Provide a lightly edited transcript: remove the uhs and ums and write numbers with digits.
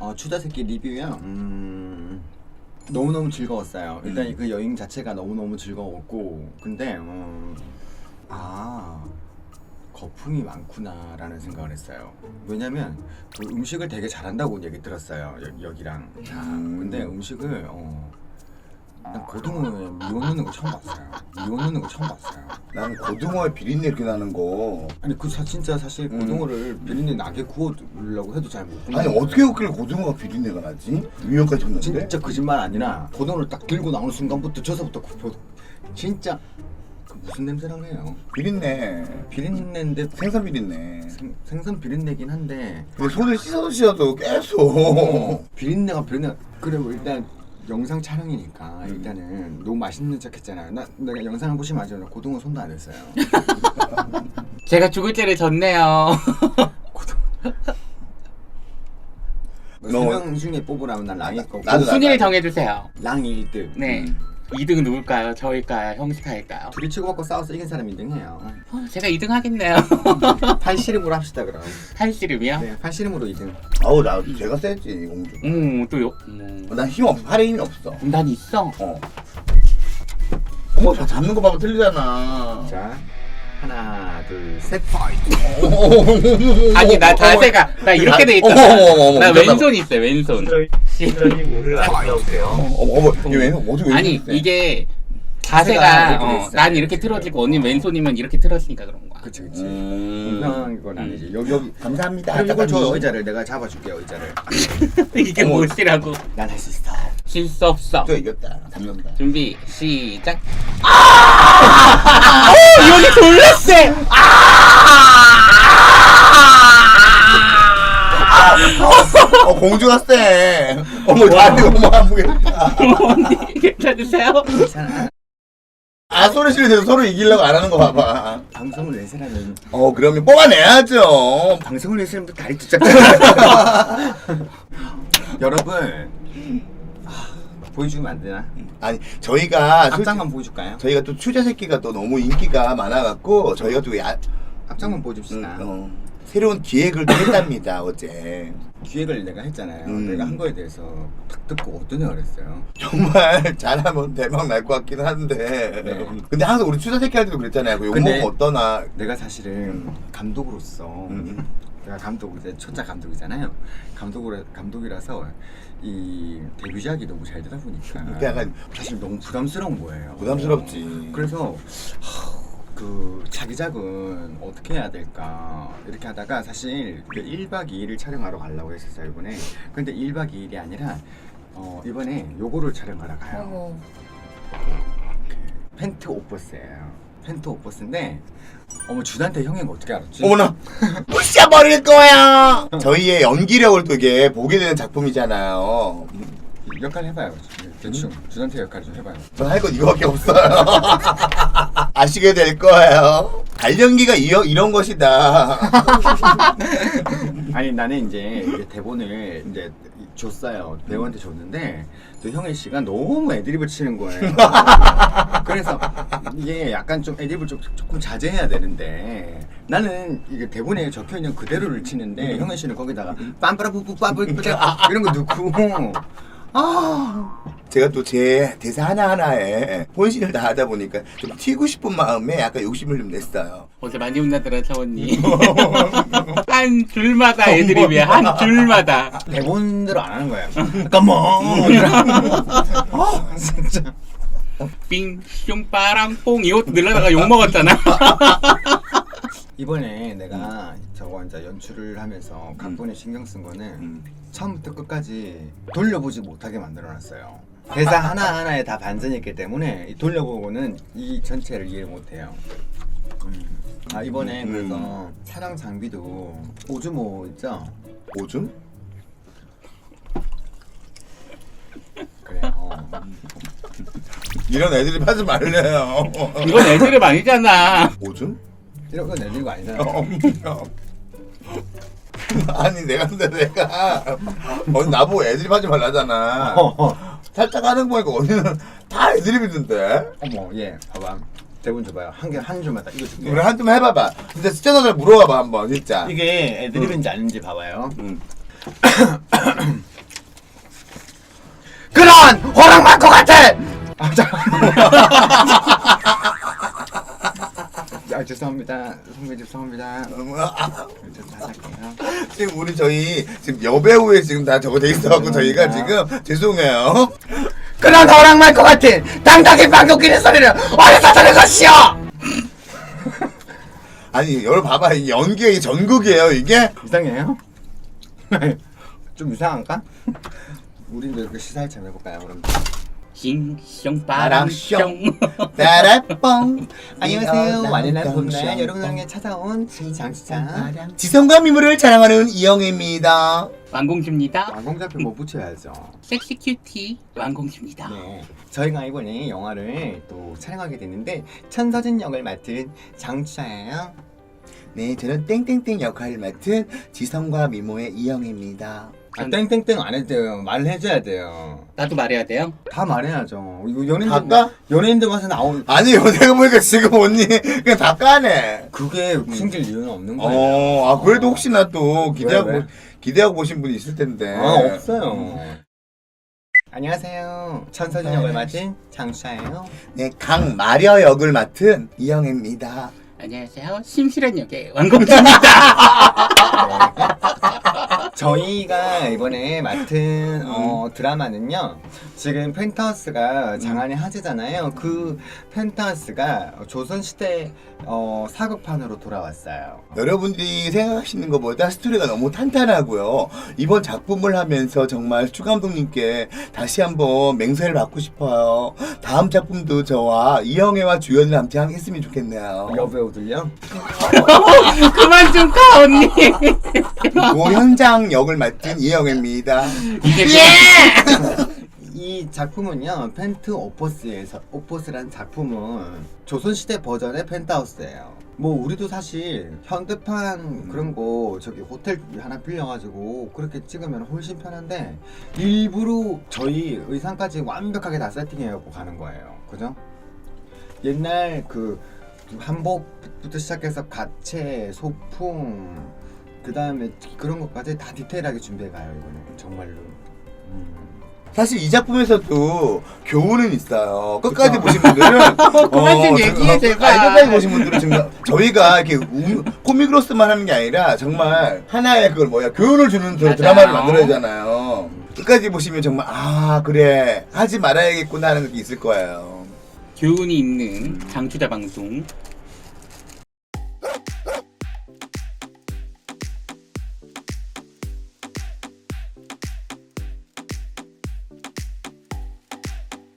추자새끼 리뷰요. 너무너무 즐거웠어요. 일단 그 여행 자체가 너무너무 즐거웠고, 근데 거품이 많구나라는 생각을 했어요. 왜냐면 그 음식을 되게 잘한다고 얘기 들었어요. 여기랑. 근데 음식을 난 고등어에 미원 넣는 거 처음 봤어요. 미원 넣는 거 처음 봤어요. 나는 고등어에 비린내 이렇게 나는 거. 아니 진짜 사실 고등어를 비린내 나게 구워주려고 해도 잘 못 구워. 아니 어떻게 그렇게 고등어가 비린내가 나지? 위험까지 쳤는데? 진짜 거짓말 아니라 고등어를 딱 들고 나오는 순간부터 저서부터 진짜 무슨 냄새라고 해요? 비린내인데 생선 비린내. 생선 비린내긴 한데 근데 손을 씻어도 계속 비린내가 그래 뭐 일단 영상 촬영이니까 일단은 너무 맛있는 척 했잖아요. 내가 영상을 보시면 알죠. 고등어 손도 안 했어요. 제가 죽을 죄를 졌네요. 세 명 중에 뽑으라면 난 랑일 거고. 순위를 정해주세요. 랑이 1등. 네. 2등은 누굴까요? 저일까요? 형식할까요? 둘이 치고받고 싸워서 이긴 사람이 2등해요. 제가 2등 하겠네요. 팔씨름으로 합시다 그럼. 팔씨름이요? 네, 팔씨름으로 2등. 아우 나 제가 세지 공주. 또요? 난 힘 없어. 팔에 힘이 없어. 난 있어. 다 잡는 거 봐봐 틀리잖아. 자, 하나, 둘, 셋, 파이트. 아니 나 자세가 나 이렇게 돼 있잖아. 나 왼손 있어 왼손. 시선님을 안녕하세요. 얘 왼손 어디 아니 왼손 이게 자세가 이렇게 돼 자세가 있어요. 난 이렇게 틀어지고 언니 왼손이면 이렇게 틀어지니까 그런 거야. 그치. 분명한 건 아니지. 여기. 감사합니다. 그럼 이걸 줘 의자를 내가 잡아줄게요 의자를. 이게 무엇이라고? 난 할 수 있어. 질 수 없어. 또 이겼다. 잡는다. 준비 시작. 여기 돌렸어. 공주가 쎄. 어머 나한테 너무 아프겠다. 언니 괜찮으세요? 괜찮아. 소리 지르면서 서로 이기려고 안 하는 거 봐봐. 방송을 내 사람은 그러면 뽑아내야죠. 방송을 내 사람도 다리 찢자. 여러분 보여주면 안 되나? 아니 저희가 앞장만 보여줄까요? 저희가 또 추자 새끼가 또 너무 인기가 많아갖고 저희가 또 앞장만 보여줍시다. 새로운 기획을 또 했답니다 어제. 기획을 내가 했잖아요. 내가 한 거에 대해서 딱 듣고 어떠냐 그랬어요. 정말 잘하면 대박 날 것 같긴 한데. 네. 근데 항상 우리 추자 새끼 할 때도 그랬잖아요. 그 욕먹으면 어떠나. 내가 사실은 감독으로서 내가 감독 이제 첫째 감독이잖아요. 감독이라서 이 데뷔작이 너무 잘 되다 보니까 약간 사실 너무 부담스러운 거예요. 부담스럽지. 그래서 그 자기작은 어떻게 해야 될까 이렇게 하다가 사실 그 1박 2일을 촬영하러 가려고 했었어요 이번에. 근데 1박 2일이 아니라 이번에 요거를 촬영하러 가요. 펜트 옷버스예요. 펜트 옷버스인데 주단태 형인 거 어떻게 알았지? 어머나 부셔버릴 거야. 저희의 연기력을 되게 보게 되는 작품이잖아요. 역할 해봐요. 대충 주단태 역할 좀 해봐요. 전 할 건 이거밖에 없어요. 아시게 될 거예요. 발연기가 이런 것이다. 아니 나는 이제 대본을 이제 줬어요. 배우한테 줬는데 또 형의 씨가 너무 애드립을 치는 거예요. 그래서 이게 약간 좀 애드립을 조금 자제해야 되는데 나는 이게 대본에 적혀 있는 그대로를 치는데 형의 씨는 거기다가 빰빠라뿌뿌 빠뿌뿌 이런 거 넣고 제가 또 제 대사 하나하나에 혼신을 다하다 보니까 좀 튀고 싶은 마음에 약간 욕심을 좀 냈어요. 어제 많이 혼나더라 저 언니. 한 줄마다 애드립이야. 한 줄마다. 대본대로 안 하는 거야. 잠깐만. 진짜. 삥 빠랑뽕 이것도 늘려다가 욕 먹었잖아. 이번에 내가 저거 이제 연출을 하면서 각본에 신경 쓴 거는 처음부터 끝까지 돌려보지 못하게 만들어놨어요. 대사 하나하나에 다 반전이 있기 때문에 돌려보고는 이 전체를 이해 못해요. 이번에 그래서 촬영 장비도 오즈모 있죠? 오줌? 그래요. 이런 애들이 하지 말래요. 이건 애드립 아니잖아. 오줌? 이런 건 내는 거 아니잖아요. 아니 내가 나보고 애드립 하지 말라잖아. 살짝 하는 거 보니까 언니는 다 애드립이던데. 어머, 예, 봐봐. 대본 줘봐요. 한 줄만 딱 이거 줄게. 우리 한 점 해봐봐. 진짜 시청자들 물어봐봐 한번 진짜. 이게 애드립인지 아닌지 봐봐요. 허락할 것 같아. 아 잠깐만. 아 죄송합니다. 선배 죄송합니다. 저 다할게요. 지금 우리 저희 지금 여배우에 지금 다 저거 돼 있어갖고 저희가 지금 죄송해요. 그런 허락할 것 같은 당당히 방귀 뀌는 소리를 어디서 들은 것이오? 아니 여러분 봐봐 이 연기의 전국이에요 이게. 이상해요? 좀 이상한가? 우리도 이렇게 시사일치 한번 해볼까요 그럼? 싱숑 바람숑. 따라뽕. 안녕하세요. 완연한 봄날 여러분에게 찾아온 장시장 지성과 미모를 자랑하는 이영애입니다. 완공주입니다. 완공작표 뭐 붙여야죠. 섹시 큐티 완공주입니다. 네, 저희가 이번에 영화를 또 촬영하게 됐는데 천서진 역을 맡은 장추자예요. 네, 저는 땡땡땡 역할을 맡은 지성과 미모의 이영애입니다. 아, 땡땡땡 안 해도 돼요. 말을 해줘야 돼요. 나도 말해야 돼요? 다 말해야죠. 이거 연예인들 다까? 연예인들 가서 나온 아니 내가 보니까 지금 언니 그냥 다 까네. 그게 숨길 이유는 없는 거예요. 아 그래도 혹시나 또 왜? 기대하고 보신 분이 있을 텐데. 아 없어요. 안녕하세요. 천서진 역을 맡은 장추자예요. 네, 강마려 역을 맡은 이영애입니다. 안녕하세요. 심실한 역의 완공주입니다. 저희가 이번에 맡은 드라마는요. 지금 펜트하우스가 장안의 화제잖아요. 그 펜트하우스가 조선시대 사극판으로 돌아왔어요. 여러분들이 생각하시는 것보다 스토리가 너무 탄탄하고요. 이번 작품을 하면서 정말 추 감독님께 다시 한번 맹세를 받고 싶어요. 다음 작품도 저와 이영애와 주연을 함께 했으면 좋겠네요. 여배우들요? 그만 좀 가 언니. 고현장 역을 맡은 이영애입니다. 이게 이 작품은요. 펜트 오포스라는 작품은 조선시대 버전의 펜트하우스예요. 뭐 우리도 사실 현대판 그런 거 저기 호텔 하나 빌려가지고 그렇게 찍으면 훨씬 편한데 일부러 저희 의상까지 완벽하게 다 세팅해갖고 가는 거예요. 그죠? 옛날 그 한복부터 시작해서 가채, 소품 그 다음에 그런 것까지 다 디테일하게 준비해가요. 이거는 정말로. 사실 이 작품에서도 교훈은 있어요. 끝까지 그쵸? 보신 분들은 그만 좀 얘기해, 제발. 끝까지 보신 분들은 정말 저희가 이렇게 코믹으로서만 하는 게 아니라 정말 하나의 그걸 교훈을 주는 드라마를 만들어야 되잖아요. 끝까지 보시면 정말 아 그래 하지 말아야겠구나 하는 게 있을 거예요. 교훈이 있는 장추자 방송